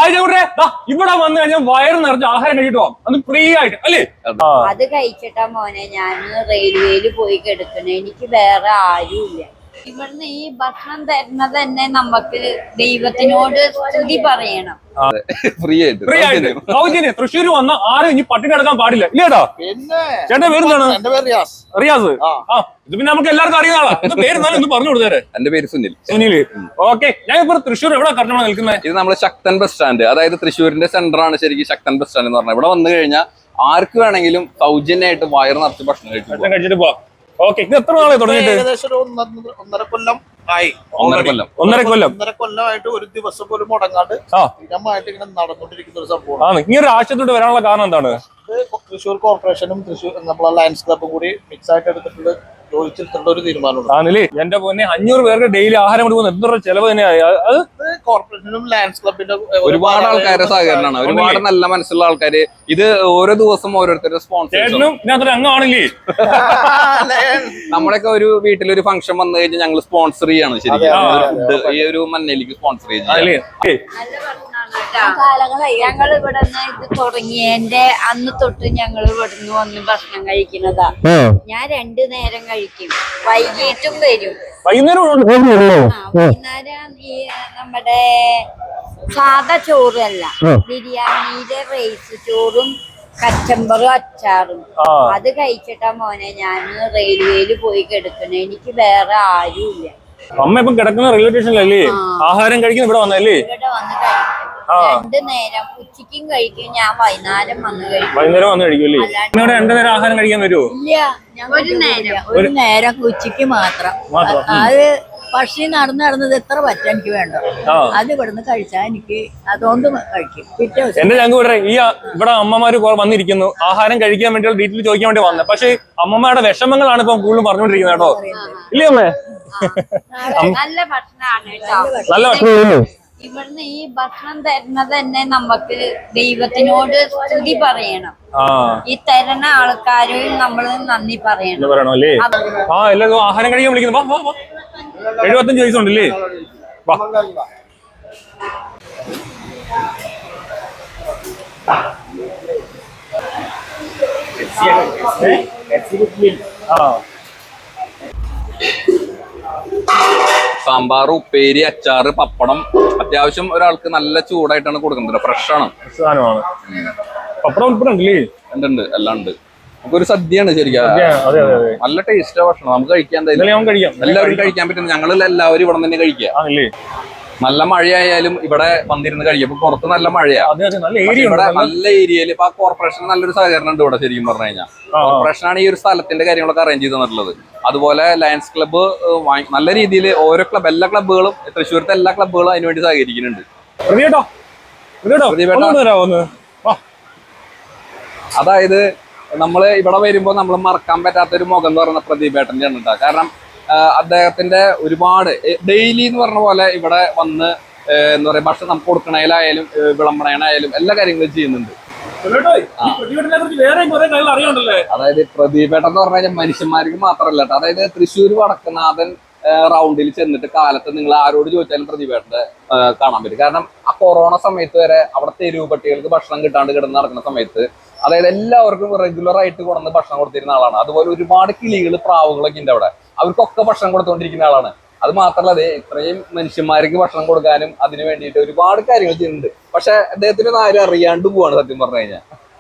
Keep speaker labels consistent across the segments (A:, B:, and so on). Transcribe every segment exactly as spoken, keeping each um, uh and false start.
A: ഇവിടെ വന്നു കഴിഞ്ഞാൽ വയറ് നിറച്ച് ആഹാരം കഴിച്ചിട്ട് പോവാം അത് ഫ്രീ ആയിട്ട് അല്ലേ?
B: അത് കഴിച്ചിട്ടാ മോനെ ഞാൻ റെയിൽവേയിൽ പോയി കിടക്കണേ. എനിക്ക് വേറെ ആരുമില്ല. ഇവിടുന്ന് ഈ ഭക്ഷണം തരുന്നത് തന്നെ നമുക്ക് ദൈവത്തിനോട് സ്തുതി പറയണം.
C: ഫ്രീ ആയിട്ട്
A: ഫ്രീ ആയിട്ട് സൗജന്യം. തൃശ്ശൂർ വന്ന ആരും ഇനി പട്ടിണി കിടക്കാൻ പാടില്ല ഇല്ലേടാ? ചേട്ടന്റെ പേരെന്താണ്? റിയാസ്. ആ ഇത് പിന്നെ നമുക്ക് എല്ലാവർക്കും അറിയുന്ന ആളാ. പേരെന്നാലും ഒന്ന് പറഞ്ഞു കൊടുത്തേരെ.
C: എന്റെ പേര് സുനിൽ.
A: സുനിൽ. ഓക്കെ. ഞാൻ ഇപ്പൊ തൃശ്ശൂർ എവിടെ കറക്റ്റ് നിൽക്കുന്നത്?
C: ഇത് നമ്മള് ശക്തൻ ബസ് സ്റ്റാൻഡ്, അതായത് തൃശ്ശൂരിന്റെ സെന്റർ ആണ് ശരിക്കും ശക്തൻ ബസ് സ്റ്റാൻഡ് എന്ന് പറഞ്ഞാൽ. ഇവിടെ വന്നു കഴിഞ്ഞാൽ ആർക്ക് വേണമെങ്കിലും സൗജന്യമായിട്ട് വയറ് നിറച്ച് ഭക്ഷണം കഴിച്ചു കഴിച്ചിട്ട് പോവാം. ഓക്കെ. ഇത് എത്ര നാളെ തുടങ്ങിയിട്ട്?
D: ഏകദേശം ഒരു ഒന്നര കൊല്ലം ആയി.
C: ഒന്നര കൊല്ലം
A: ഒന്നര കൊല്ലം
D: ഒന്നര കൊല്ലമായിട്ട് ഒരു ദിവസം പോലും മുടങ്ങാണ്ട് സ്ഥിരമായിട്ട് ഇങ്ങനെ നടന്നുകൊണ്ടിരിക്കുന്ന ഒരു സംഭവമാണ്.
A: ഈ ഒരു ആശയത്തോട്ട് വരാനുള്ള കാരണം എന്താണ്?
D: തൃശ്ശൂർ കോർപ്പറേഷനും തൃശ്ശൂർ നമ്മളെ ലയൺസ് ക്ലബും കൂടി മിക്സ് ആയിട്ട് എടുത്തിട്ടുള്ള യോജിച്ചെടുത്തിട്ടുള്ള ഒരു തീരുമാനമാണ്.
A: ആണല്ലേ? എന്റെ പൊന്നെ, അഞ്ഞൂറ് പേർക്ക് ഡെയിലി ആഹാരം കൊടുക്കുന്ന എത്ര ചെലവ് തന്നെയായി. അത്
D: കോർപ്പറേഷനും ലയൺസ് ക്ലബിന്റെ
C: ഒരുപാട് ആൾക്കാരുടെ സഹകരണമാണ്. ഒരുപാട് നല്ല മനസ്സുള്ള ആൾക്കാര്. ഇത് ഓരോ ദിവസം ഓരോരുത്തരുടെ സ്പോൺസർ.
A: അംഗമാണല്ലേ?
C: നമ്മളൊക്കെ ഒരു വീട്ടിലൊരു ഫംഗ്ഷൻ വന്നു കഴിഞ്ഞാൽ ഞങ്ങൾ സ്പോൺസർ ചെയ്യാണ് ശരിക്കും. ഈ ഒരു മന്നയിലേക്ക് സ്പോൺസർ ചെയ്യുന്നത്.
B: ഞങ്ങൾ ഇവിടെ ഇത് തുടങ്ങിയതിന്റെ അന്ന് തൊട്ട് ഞങ്ങൾ ഇവിടുന്ന് വന്ന് ഭക്ഷണം കഴിക്കുന്നതാ. ഞാൻ രണ്ടു നേരം കഴിക്കും, വൈകിട്ടും വരും. വൈകുന്നേരം ഈ നമ്മുടെ സാധാ ചോറല്ല, ബിരിയാണിയുടെ റൈസ് ചോറും കച്ചമ്പറും അച്ചാറും അത് കഴിച്ചിട്ടാ മോനെ ഞാൻ റെയിൽവേയിൽ പോയി കിടക്കണേ. എനിക്ക് വേറെ ആരുമില്ല.
A: അമ്മ ഇപ്പൊ കിടക്കുന്ന റെയിൽവേ സ്റ്റേഷനിലല്ലേ? ആഹാരം കഴിക്കുന്ന ഇവിടെ വന്നല്ലേ?
B: ഇവിടെ വന്ന് കഴിക്കും. രണ്ടു നേരം ഉച്ചക്കും കഴിക്കും, ഞാൻ വൈകുന്നേരം വന്ന് കഴിക്കും.
A: വൈകുന്നേരം വന്ന് കഴിക്കൂല്ലേ? ഇവിടെ രണ്ടു നേരം ആഹാരം കഴിക്കാൻ വരുമോ?
B: ഇല്ല, ഒരു നേരം ഒരു നേരം ഉച്ചക്ക് മാത്രം. അത് പക്ഷി നടന്ന് നടന്നത് എത്ര പറ്റാൻ എനിക്ക് വേണ്ട, അത് ഇവിടുന്ന് കഴിച്ചാൽ എനിക്ക് അതുകൊണ്ട് കഴിക്കും. പിറ്റേ ദിവസം
A: എന്റെ ഞങ്ങൾ ഇവിടെ ഈ ഇവിടെ അമ്മമാര് വന്നിരിക്കുന്നു ആഹാരം കഴിക്കാൻ വേണ്ടിയുള്ള ഡീറ്റെയിൽ ചോദിക്കാൻ വേണ്ടി വന്നത്. പക്ഷെ അമ്മമാരുടെ വിഷമങ്ങളാണ് ഇപ്പൊ കൂടുതലും പറഞ്ഞുകൊണ്ടിരിക്കുന്നത് കേട്ടോ. ഇല്ലേ അമ്മേ?
B: നല്ല ഭക്ഷണമാണ്.
A: നല്ല ഭക്ഷണം.
B: ഇവിടുന്ന് ഈ ഭക്ഷണം തരുന്നത് തന്നെ നമുക്ക് ദൈവത്തിനോട് സ്തുതി പറയണം. ഈ തരുന്ന ആൾക്കാരും നമ്മള് നന്ദി പറയണം.
A: പറയണം അല്ലേ? ആ എല്ലാവരും ആഹാരം കഴിക്കാൻ വിളിക്കുന്നു. എഴുപത്തഞ്ച് വയസ്സുണ്ടല്ലേ?
C: സാമ്പാർ, ഉപ്പേരി, അച്ചാറ്, പപ്പടം. അത്യാവശ്യം ഒരാൾക്ക് നല്ല ചൂടായിട്ടാണ് കൊടുക്കുന്നത്. ഫ്രഷ് ആണ് സാധനമാണ്.
A: പപ്പടം ഉൾപ്പെടെ
C: ഉണ്ട്, എല്ലാം ഉണ്ട്. നമുക്കൊരു സദ്യയാണ് ശരിക്കും. നല്ല ടേസ്റ്റ് ഭക്ഷണം. നമുക്ക് കഴിക്കാൻ എല്ലാവരും കഴിക്കാൻ പറ്റും. ഞങ്ങൾ എല്ലാവരും ഇവിടെ തന്നെ കഴിക്കുക. നല്ല മഴയായാലും ഇവിടെ വന്നിരുന്ന് കഴിക്കും. ഇപ്പൊ പുറത്ത് നല്ല മഴയാ. ഇവിടെ നല്ല ഏരിയയിൽ ഇപ്പൊ കോർപ്പറേഷൻ നല്ലൊരു സഹകരണം ഉണ്ട് ഇവിടെ ശരിക്കും പറഞ്ഞു കഴിഞ്ഞാൽ. കോർപ്പറേഷനാണ് ഈ ഒരു സ്ഥലത്തിന്റെ കാര്യങ്ങളൊക്കെ അറേഞ്ച് ചെയ്ത് തന്നിട്ടുള്ളത്. അതുപോലെ ലയൺസ് ക്ലബ്ബ് നല്ല രീതിയിൽ ഓരോ ക്ലബ് എല്ലാ ക്ലബ്ബുകളും തൃശ്ശൂരത്തെ എല്ലാ ക്ലബ്ബുകളും അതിനുവേണ്ടി സഹകരിക്കുന്നുണ്ട്. അതായത് നമ്മള് ഇവിടെ വരുമ്പോ നമ്മൾ മറക്കാൻ പറ്റാത്തൊരു മുഖം എന്ന് പറയുന്ന പ്രദീപേട്ടന്റെ ആണ് കേട്ടോ. കാരണം അദ്ദേഹത്തിന്റെ ഒരുപാട് ഡെയിലി എന്ന് പറഞ്ഞ പോലെ ഇവിടെ വന്ന് എന്താ പറയാ ഭക്ഷണം നമുക്ക് കൊടുക്കണേലായാലും വിളമ്പണേനായാലും എല്ലാ കാര്യങ്ങളും ചെയ്യുന്നുണ്ട്. അതായത് പ്രദീപേട്ടൻ എന്ന് പറഞ്ഞു കഴിഞ്ഞാൽ മനുഷ്യന്മാർക്ക് മാത്രമല്ല കേട്ടോ. അതായത് തൃശ്ശൂർ വടക്കനാഥൻ റൗണ്ടിൽ ചെന്നിട്ട് കാലത്ത് നിങ്ങൾ ആരോട് ചോദിച്ചാലും പ്രദീപേട്ടന്റെ കാണാൻ പറ്റും. കാരണം ആ കൊറോണ സമയത്ത് വരെ അവിടെ തെരുവ് പട്ടികൾക്ക് ഭക്ഷണം കിട്ടാണ്ട് കിടന്ന് നടക്കുന്ന സമയത്ത് അതായത് എല്ലാവർക്കും റെഗുലർ ആയിട്ട് കൊണ്ടുവന്ന് ഭക്ഷണം കൊടുത്തിരുന്ന ആളാണ്. അതുപോലെ ഒരുപാട് കിളികൾ, പ്രാവുകളൊക്കെ ഉണ്ട് അവിടെ. അവർക്കൊക്കെ ഭക്ഷണം കൊടുത്തുകൊണ്ടിരിക്കുന്ന ആളാണ്. അത് മാത്രമല്ല അതെ ഇത്രയും മനുഷ്യന്മാർക്ക് ഭക്ഷണം കൊടുക്കാനും അതിനു വേണ്ടിയിട്ട് ഒരുപാട് കാര്യങ്ങൾ ചെയ്യുന്നുണ്ട്. പക്ഷെ അദ്ദേഹത്തിന് ആരും അറിയാണ്ട് പോവാണ് സത്യം പറഞ്ഞു കഴിഞ്ഞാൽ.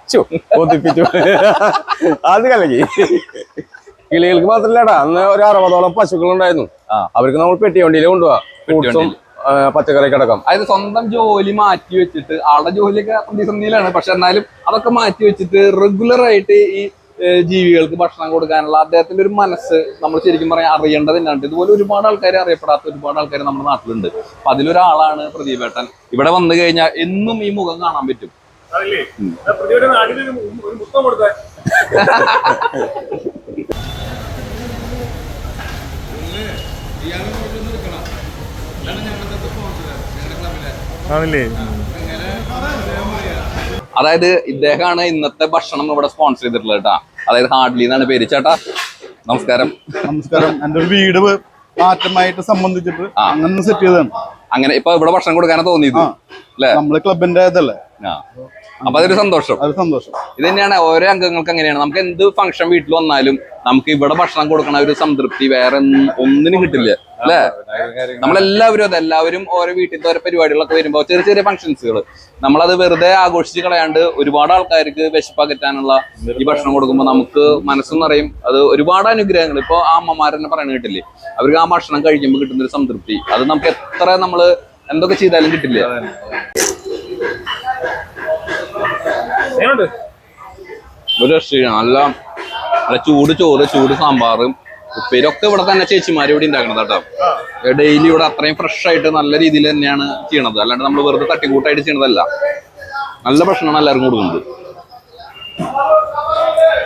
E: അത് കലകി കിളികൾക്ക് മാത്രല്ലടാ. അന്ന് ഒരു അറുപതോളം പശുക്കൾ ഉണ്ടായിരുന്നു. അവർക്ക് നമ്മൾ പെട്ടിവണ്ടിയിൽ കൊണ്ടുപോവാ ഫ്രൂട്ട്സും പച്ചക്കറിയൊക്കെ അടക്കം.
C: അതായത് സ്വന്തം ജോലി മാറ്റി വെച്ചിട്ട് ആളുടെ ജോലിയൊക്കെ പ്രതിസന്ധിയിലാണ്. പക്ഷെ എന്നാലും അതൊക്കെ മാറ്റി വെച്ചിട്ട് റെഗുലർ ആയിട്ട് ഈ ജീവികൾക്ക് ഭക്ഷണം കൊടുക്കാനുള്ള അദ്ദേഹത്തിന്റെ ഒരു മനസ്സ് നമ്മൾ ശരിക്കും പറയാൻ അറിയേണ്ടത് തന്നെയാണ്. ഇതുപോലെ ഒരുപാട് ആൾക്കാർ, അറിയപ്പെടാത്ത ഒരുപാട് ആൾക്കാർ നമ്മുടെ നാട്ടിലുണ്ട്. അപ്പൊ അതിലൊരാളാണ് പ്രദീപേട്ടൻ. ഇവിടെ വന്നു കഴിഞ്ഞാൽ എന്നും ഈ മുഖം കാണാൻ പറ്റും. അതായത് ഇദ്ദേഹമാണ് ഇന്നത്തെ ഭക്ഷണം ഇവിടെ സ്പോൺസർ ചെയ്തിട്ടുള്ളത് കേട്ടാ. അതായത് ഹാർഡ്ലി എന്നാണ് പേര്. ചേട്ടാ നമസ്കാരം.
F: നമസ്കാരം. എന്റെ ഒരു വീട് മാറ്റമായിട്ട് സംബന്ധിച്ചിട്ട് അങ്ങനെ സെറ്റ് ചെയ്തതാണ്.
C: അങ്ങനെ ഇപ്പൊ ഇവിടെ ഭക്ഷണം കൊടുക്കാനാ തോന്നിയത് അല്ലെ?
D: നമ്മള് ക്ലബിന്റെ ഇതല്ലേ,
C: ആ അപ്പൊ അതൊരു സന്തോഷം.
D: അത് സന്തോഷം.
C: ഇത് തന്നെയാണ് ഓരോ അംഗങ്ങൾക്ക് അങ്ങനെയാണ്. നമുക്ക് എന്ത് ഫംഗ്ഷൻ വീട്ടിൽ വന്നാലും നമുക്ക് ഇവിടെ ഭക്ഷണം കൊടുക്കണ ഒരു സംതൃപ്തി വേറെ ഒന്നിനും കിട്ടില്ല അല്ലെ? നമ്മളെല്ലാവരും അതെ, എല്ലാവരും ഓരോ വീട്ടിലത്തെ ഓരോ പരിപാടികളൊക്കെ വരുമ്പോ ചെറിയ ചെറിയ ഫംഗ്ഷൻസുകൾ നമ്മളത് വെറുതെ ആഘോഷിച്ച് കളയാണ്ട് ഒരുപാട് ആൾക്കാർക്ക് വിശപ്പകറ്റാനുള്ള ഈ ഭക്ഷണം കൊടുക്കുമ്പോൾ നമുക്ക് മനസ്സും നിറയും. അത് ഒരുപാട് അനുഗ്രഹങ്ങൾ. ഇപ്പൊ ആ അമ്മമാരെന്നെ പറയണ കേട്ടില്ലേ, അവർക്ക് ആ ഭക്ഷണം കഴിക്കുമ്പോൾ കിട്ടുന്ന ഒരു സംതൃപ്തി അത് നമുക്ക് എത്ര നമ്മള് എന്തൊക്കെ ചെയ്താലും കിട്ടില്ല. ഒരു രക്ഷയില്ല. നല്ല നല്ല ചൂട് ചോറ്, ചൂട് സാമ്പാറും ഉപ്പേരൊക്കെ ഇവിടെ തന്നെ ചേച്ചിമാര് ഇവിടെ ഉണ്ടാക്കണത് കേട്ടോ. ഡെയിലി ഇവിടെ അത്രയും ഫ്രഷ് ആയിട്ട് നല്ല രീതിയിൽ തന്നെയാണ് ചെയ്യണത്. അല്ലാണ്ട് നമ്മൾ വെറുതെ തട്ടിക്കൂട്ടായിട്ട് ചെയ്യണതല്ല. നല്ല ഭക്ഷണമാണ് എല്ലാവർക്കും കൊടുക്കുന്നത്.